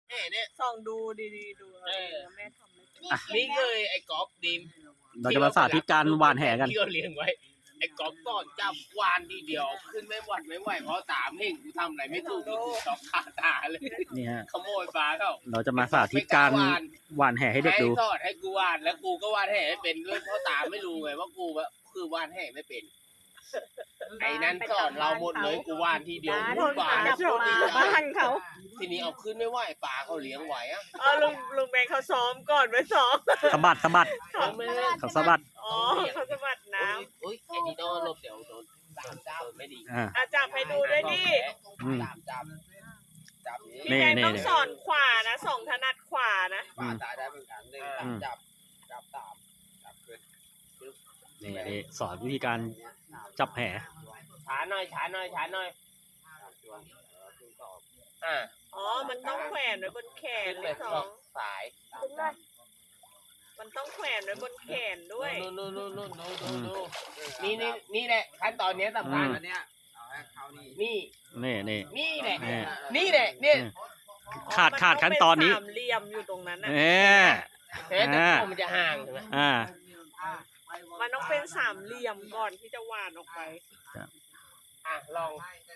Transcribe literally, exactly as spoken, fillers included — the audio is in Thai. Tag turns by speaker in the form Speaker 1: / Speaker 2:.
Speaker 1: แม่เนี่ย
Speaker 2: ส่องดูดีๆดูเอาดีนะแม่ทำไม่เป็น
Speaker 1: นี่เคยไอ้กอล์ฟดิม
Speaker 3: เราจะมาสาธิตการหว่านแหกัน
Speaker 1: ที่เราเลี้ยงไว้ไอ้กอล์ฟสอนจับวานทีเดียวขึ้นไม่หวัดไม่ไหวเพราะตามเพ่งกูทำอะไรไม่ถูกกูถูกตอกขาตาเลย
Speaker 3: นี่ฮะ
Speaker 1: ขโมยปลาเขา
Speaker 3: เราจะมาสาธิตการหว่านแหให้เด็กดู
Speaker 1: ให้สอนให้กูวานแล้วกูก็วานแห่ไม่เป็นด้วยเพราะตาไม่รู้ไงว่ากูว่าคือวานแห่ไม่เป็นไอ้นั้นสอนเราหมดเลยกูวานทีเดียว
Speaker 2: โดน
Speaker 1: วา
Speaker 2: หาน จับมาบ้านเขา
Speaker 1: ทีนี้เอาขึ้นไม่ไหวปลาเขาเลี้ยงไหวอ่ะ
Speaker 2: เออลุงลุงแบงค์เขาซ้อมก่อนไว้ซ้อม
Speaker 3: สะบัดสะบัด
Speaker 1: เขาไม่
Speaker 3: เขาสะบัด
Speaker 2: อ๋อเขาสะบัดน้
Speaker 1: อุ้ยไอ้นี่โดนลบเดี๋ยวโดนสามเจ้าไม่ดี
Speaker 3: อ่า
Speaker 2: ำอาจับให้ดูด้วยดิ
Speaker 3: อืม
Speaker 1: จับจับจับ
Speaker 2: พี่แบงค์
Speaker 3: นี่
Speaker 2: ต้อง
Speaker 3: นี่
Speaker 2: สอนขวานะสองถนัดขวานะ
Speaker 1: ปลาตายได้เหมือนกันหนึ่ง
Speaker 3: อืม
Speaker 1: จับจับตามจับขึ้น
Speaker 3: นี่นี่สอนวิธีการจับแห
Speaker 1: ช้าหน่อยช้าหน่อยช้าหน่อยอ่า
Speaker 2: อ๋อมันต้องแขวนไว้บนแขน
Speaker 1: ขึ้น
Speaker 2: เล
Speaker 1: เลย ย
Speaker 2: ส
Speaker 1: ส
Speaker 2: อ
Speaker 1: อง งสาย
Speaker 2: มันต้องแขวนไว้บนแขนด้วย
Speaker 1: นู่นนู่นนู่นนู่นนู่นนู่นนู่นนี่นี่นี่แหละขั้นตอนนี้สำคัญ
Speaker 3: อืม
Speaker 1: อันเนี้ยเอาให้เขานี่นี่
Speaker 3: นี่นี่
Speaker 1: นี่แหละ
Speaker 3: นี่
Speaker 1: นี่แหละเนี่ย
Speaker 3: ขาดขาดขั้นตอนนี้
Speaker 2: มังเป็นสามเหลี่ยมอยู่ตรงนั้นนะ
Speaker 3: เอ๊ะ
Speaker 1: เฮ้ยแต่ตัวมันจะห่างใช่ไหม
Speaker 3: อ่า
Speaker 2: มันต้องเป็นสามเหลี่ยมก่อนที่จะหวานออกไป
Speaker 1: อ่ะลอง